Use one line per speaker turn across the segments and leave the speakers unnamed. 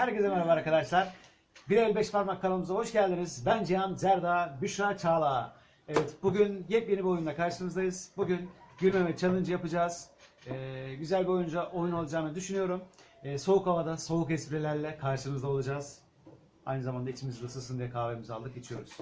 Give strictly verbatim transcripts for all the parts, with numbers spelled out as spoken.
Herkese merhaba arkadaşlar. Bir el beş parmak kanalımıza hoş geldiniz. Ben Cihan Zerda, Büşra Çağla. Evet, bugün yepyeni bir oyunla karşınızdayız. Bugün gülmeme challenge yapacağız. Ee, güzel bir oyunca oyun olacağını düşünüyorum. Ee, soğuk havada, soğuk esprilerle karşınızda olacağız. Aynı zamanda içimiz ısınsın diye kahvemizi aldık, içiyoruz.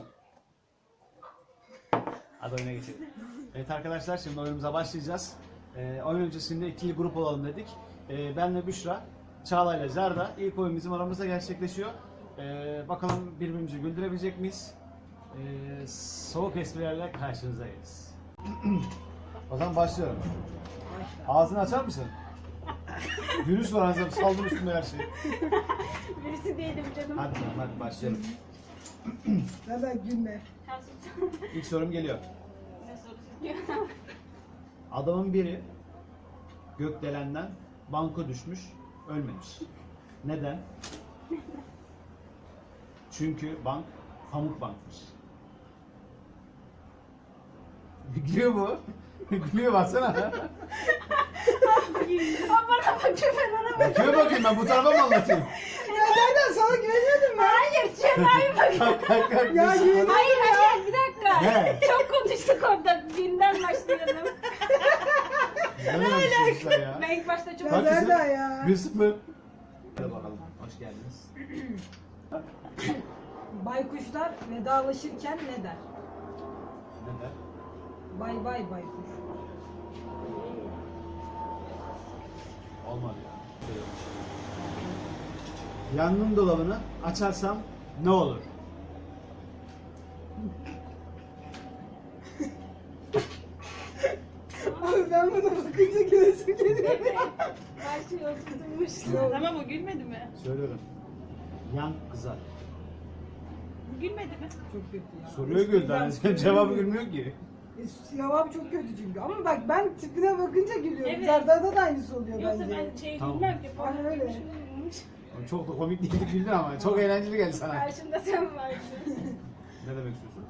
Hadi oyuna geçelim. Evet arkadaşlar, şimdi oyunumuza başlayacağız. Ee, oyun öncesinde ikili grup olalım dedik. Ee, ben ve Büşra, Çağla ile Zerda. İlk oyun bizim aramızda gerçekleşiyor. Ee, bakalım birbirimizi güldürebilecek miyiz? Ee, soğuk esprilerle karşınızdayız. O zaman başlıyorum. Ağzını açar mısın? Virüs var ağzına, saldır üstünde her şey.
Birisi değilim canım.
Hadi canım, hadi başlayalım.
Neden gülme?
İlk sorum geliyor.
Ne sorusu?
Adamın biri gökdelenden banka düşmüş, ölmemiş. Neden? Çünkü bank pamuk bankmış. Gülüyor mu? Gülüyor, baksana.
Aa, bana bakıyor, ben ona bakıyorum.
Bakıyor, bakayım, ben bu tarafa mı anlatayım?
Ya nereden sana güveniyordum ben?
Hayır, Cema'ya bakıyor.
Kalk kalk kalk.
Ya
Nasıl?
yemin-
Hayır, hayır, bir dakika.
Ne?
Çok konuştuk orada. Binden başlayalım.
Ne demek istiyorsun ya?
Ben ilk başta çok...
Ya
Bak kızım,
nereden ya?
bir sıfır. Hadi bakalım, hoş geldiniz.
Baykuşlar vedalaşırken ne der?
Neden?
Bay bay baykuş.
Olmadı ya. Yangın dolabını açarsam ne olur?
Abi ben buna bakınca gülesim geliyor.
Başlıyor, tutulmuş.
Tamam, o gülmedi mi?
Söylüyorum. Yan kızar.
Bu gülmedi mi?
Çok kötü ya.
Soruyor güldü. Hani cevabı gülmüyor ki.
E, Cevabı çok kötü çünkü. Ama bak ben tipine bakınca gülüyorum.
Evet.
Zerda'da da aynısı oluyor
Yoksa
bence.
ben şey
Tamam.
bilmem ki.
Aynen
Falan
öyle.
bir şey olmuş.
Çok da komik değildi, güldün ama çok eğlenceli geldi sana.
Karşımda sen varsın.
Ne demek istiyorsun?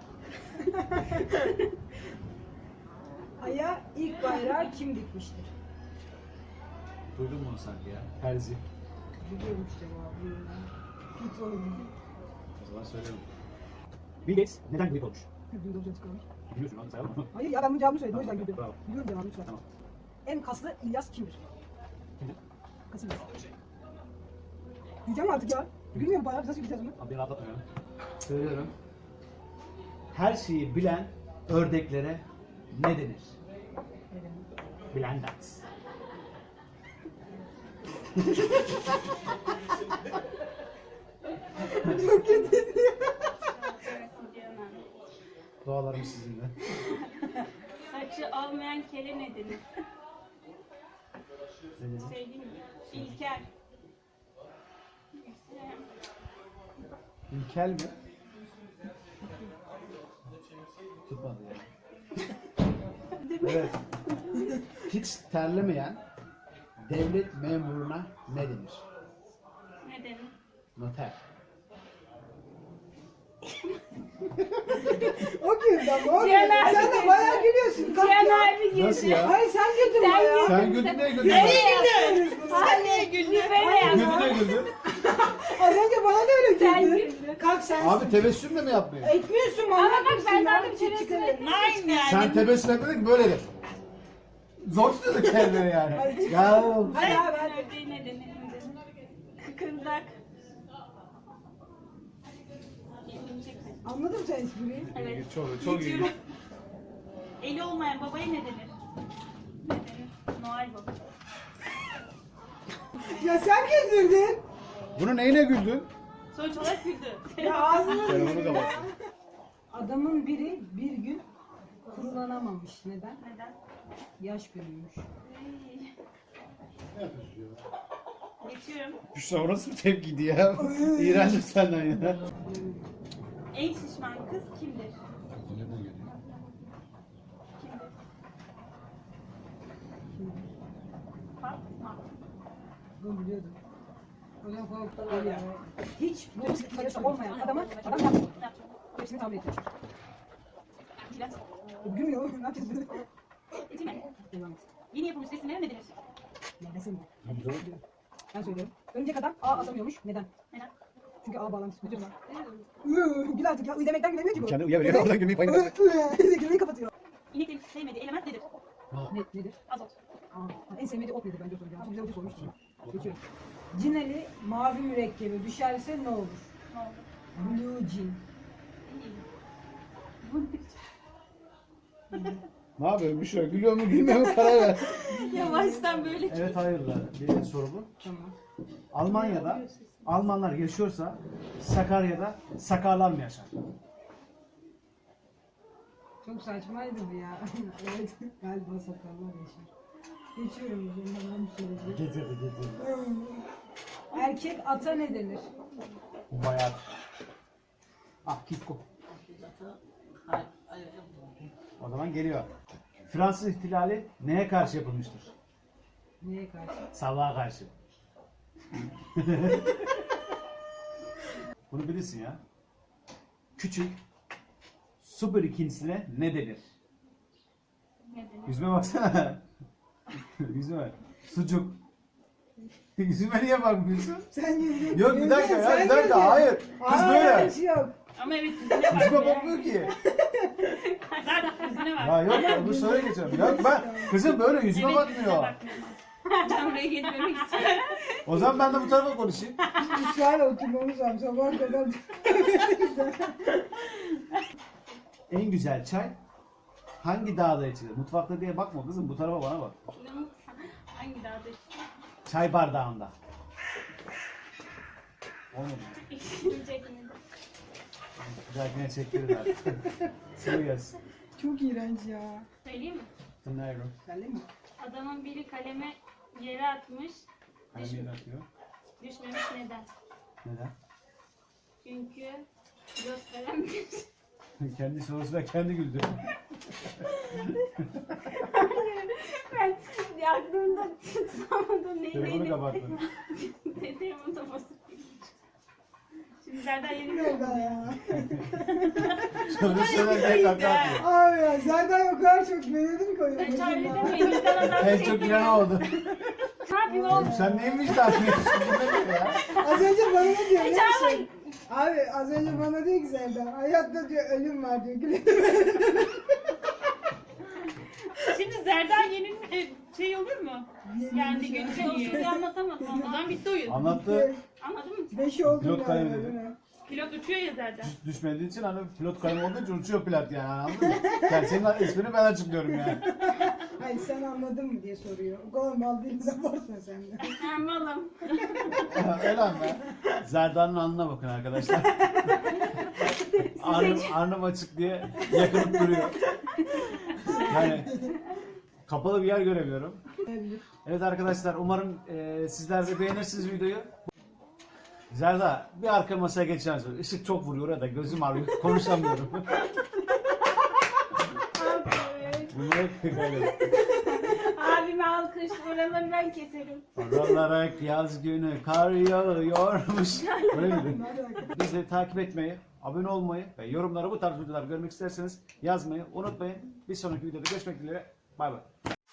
Aya ilk bayrağı kim dikmiştir?
Duydun mu onu sanki ya? Terzi.
Biliyormuş cevabı.
Kötü oldu.
O zaman söylüyorum. Bill Gates neden grip olmuş?
Güldüğümde hocam çıkarmış.
Biliyorsun, onu sayalım mı?
Hayır ya ben bunun cevabını söyledim o yüzden
Tamam,
güldüm.
bravo.
Biliyorum cevabını lütfen.
Tamam.
En kaslı İlyas kimdir?
Kimdir?
Kasım İlyas. Diyeceğim artık ya. Gülmüyor mu bayağı? Nasıl gideceğiz bunu?
Abi beni atlatmıyorum. Söylüyorum. Her şeyi bilen ördeklere ne denir? Blendat. Dualarım sizinle.
Saçı olmayan kele ne denir?
Ne dedin?
Söyleyeyim mi? İlker.
İlkel mi? Tutmadı ya. Evet. Hiç terlemeyen devlet memuruna ne denir?
Ne denir?
Noter.
O güldü ama o
Cihan
güldü.
abi
Sen de
güldü.
bayağı gülüyorsun. Kalk
Cihan
ya.
abi güldü.
Nasıl ya?
Hayır sen güldün
Sen
bayağı.
güldün.
Sen güldün ne güldün?
Nereye
ben?
güldün? Hayır, güldü böyle yaptı.
Güldün ne güldün?
Az önce bana da öyle
Sen
güldü.
güldün.
Kalk sen.
Abi tebessüm de mi yapmıyor?
Etmiyorsun bana.
Ama bak ben daha da bir şey söyledim.
Nein yani.
Sen tebessüm etmedin ki böyle de. Zor tutuyorduk kendini yani.
Hadi.
Ya.
Hadi abi hadi.
Ördeği ne denir? Ne denir? Kıkırdak.
Anladım sen espriyi.
Evet.
Çok çok iyi.
Geçiyorum. Eli olmayan babaya ne denir? Ne denir? Noel Baba.
Ya sen güldürdün.
Bunu neyine güldün?
Sonuç olarak güldü.
Ya ağzını
Telefonu kapatsın.
Adamın biri bir gün kurulanamamış. Neden?
Neden?
Yaş büyümüş.
Ne yapıyorsun ya?
Geçiyorum.
Büşra, o nasıl bir tepkiydi ya? İğrendim senden ya.
En şişman kız kimdir?
Nereden geliyor?
Kimdir? Fatma.
Bunu biliyordum. Hocam korktum
Öyle
ya.
ya. Hiç bu sıkıntısı olmayan adama adam yaptı.
Ne yapacağım?
Hepsini tahmin etmiş.
Biraz.
Gülmüyor. Ne yapacağız bunu?
Geçeyim mi?
Devam et.
Yeni yapılmış resimlere ne denir?
Ya desene. Ben söylüyorum. Örümcek adam ağ atamıyormuş. Neden? Çünkü ağ bağlantısı kötü var. Iıı, Gül artık ya. Iı demekten gülemiyor ki bu.
Kendi uyuyabiliyor, oradan gülmeyi payına bırak.
Gülmeyi kapatıyor.
İneklerin sevmediği element nedir?
Ne, nedir?
Azot.
Aa, en sevmediği ot nedir bence o soracağım. Şimdi bize otu sormuştum. Geçiyorum.
Cinali mavi mürekkebi düşerse ne olur?
Ne oldu?
Blue cin.
Ne yapıyorsun Büşra? Gülüyor mu gülmüyor mu karar ver.
Yavaştan böyle.
Evet hayırlar. Birinci soru bu.
Tamam.
Almanya'da Almanlar yaşıyorsa Sakarya'da Sakarlar mı yaşar?
Çok saçmaydı bu ya. Evet, galiba sakallar yaşar. Geçiyorum üzerinden ben söyleyeceğim.
Getirdi getirdi.
Erkek ata ne denir?
Bayağı. Ah Kiko. O zaman geliyor. Fransız ihtilali neye karşı yapılmıştır?
Neye karşı?
Sabaha karşı. Bunu bilirsin ya. Küçük su birikintisine ne denir?
Ne denir?
Yüzüme baksana. Yüzüme. Sucuk. Yüzüme niye bakmıyorsun?
Sen güldün.
Yok bir
Güldün,
dakika ya
sen
bir dakika
güldün.
hayır. Kız
Aa,
böyle.
öyle bir şey yok.
Ama evet yüzüne bak.
Yüzüme bakmıyor ki.
Zaten yüzüne bak.
Ya yok onu söyle geçiyorum. Yok ben kızım böyle yüzüme
Evet, yüzüne
bakmıyor.
bakmıyor. Ben buraya gelmemek için.
O zaman ben de bu tarafa konuşayım.
İsrail'e oturmamız lazım. Sabah kadar.
En güzel çay hangi dağda içilir? Mutfakta diye bakma kızım bu tarafa bana bak.
Hangi dağda işte?
Çay bardağında. Olmadı mı?
İşleyecek mi?
Bir dahakine çektiririz artık. Sıvı gelsin.
Çok iğrenç ya.
Söyleyeyim mi?
Dinliyorum.
Geldi mi?
Adamın biri kaleme yere atmış.
Kalemi yine atıyor.
Düşmemiş neden?
Neden?
Çünkü pilot kalem
Kendi sorusuna kendi güldü.
ben aklımda tutamadım neydi?
Telefonu kapattı.
Telefonu da bozuk. Şimdi Zerdan yeni
Nerede ya?
Soru söylerken kaka atıyor.
Abi ya zaten o kadar çok beğendim ki oyunu.
Ben çağrı demeyin. Bizden adam
En çok gülen o oldu.
Ne yapayım oğlum?
Sen neymiş takmıyorsun? Bu ne ya?
Az önce bana ne diyor biliyor
Çağrı.
musun? Abi az önce bana diyor ki Serdar, hayatta diyor ölüm var diyor. Güle.
Şimdi Zerdan yeni e, şey olur mu?
Yeni
Yani
bir şey.
gün şey olsun diye anlatamadım. O zaman bitti oyun.
Anlattı.
Anladın mı?
Beş oldu
Pilot
galiba,
kalemi
değil
dedi.
mi?
Pilot uçuyor ya Zerdan.
Düş- Düşmediği için hani pilot kalemi olduğu için uçuyor pilot yani anladın mı? Yani senin ismini ben açıklıyorum yani.
Hayır sen anladın mı diye soruyor. O kadar mal değiliz abartma sen de.
Ha malım.
Öyle mi? Zerdan'ın alnına bakın arkadaşlar. Arnım, arnım açık diye yakınıp duruyor. Yani kapalı bir yer göremiyorum. Evet arkadaşlar umarım e, sizler de beğenirsiniz videoyu. Zerda bir arka masaya geçeceğim sonra. Işık çok vuruyor orada gözüm ağrıyor konuşamıyorum. Bunları hep tekrarlıyorum.
Abime alkış. Buraları ben keserim.
Aralara yaz günü kar yağıyormuş. Öyle miydi? Bizi takip etmeyi, abone olmayı ve yorumlara bu tarz videolar görmek isterseniz yazmayı unutmayın. Bir sonraki videoda görüşmek dileğiyle. Bay bay.